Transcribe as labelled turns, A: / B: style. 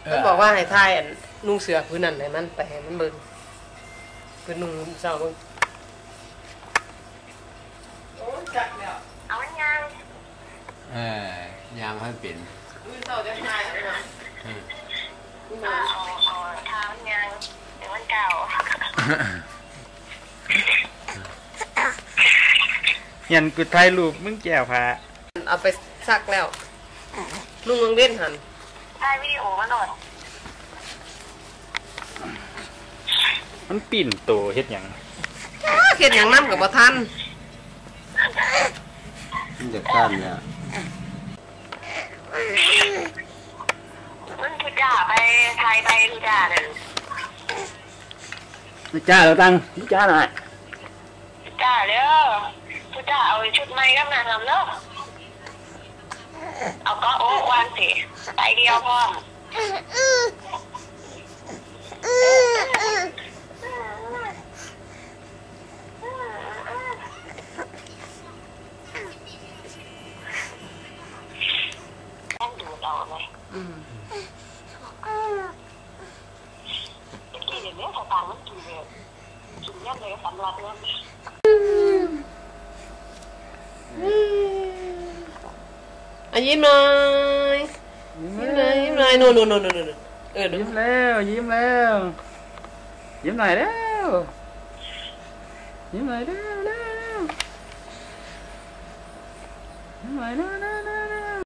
A: มันบอกว่าให้ทายนุ่งเสือพื้นนั่นให้มันไปให้มันเบิ่งพื้นนุ่งเศร้าเบิ่งโอ้จักแล้ว
B: เอามันยัง
C: ยางให้เป็น
A: พื้นเศร้าจะทายนะ
B: เอาทามันยังเดี๋ยวมันเก่า
D: ยันกูถ่ายรูปมึงแก้วพา
A: เอาไปซักแล้วนุ่งเล่นหัน
B: ถ่ายวิดีโอมาหน่อย
D: มันปิ่นโตเฮ็ดหยัง
A: เฮ็ดหยังนำกับบ่ทัน
C: มันจะก้านเนี่ย
B: มันทุจ่าไปไทยไปทุจ่าเลย
D: ทุจ่าเราตั้งทุจ่าหน่อย
B: ทุจ่าเด้อทุจ่าเอาชุดใหม่กับนางทำเนาะเอาก็โอ้วางสิไปเดียวพอต้องดูเราไหมกินอย่างนี้สตางค์มันกินเลยกินเยอะเลยสำหรับเรื่อง
A: ยิ้มหน่อยยิ้มหน่อยนู่นยิ้ม
D: แล้วยิ้มแล้วยิ้มหน่อยแล้วยิ้มหน่อยแล้วยิ้มหน่อยแล้ว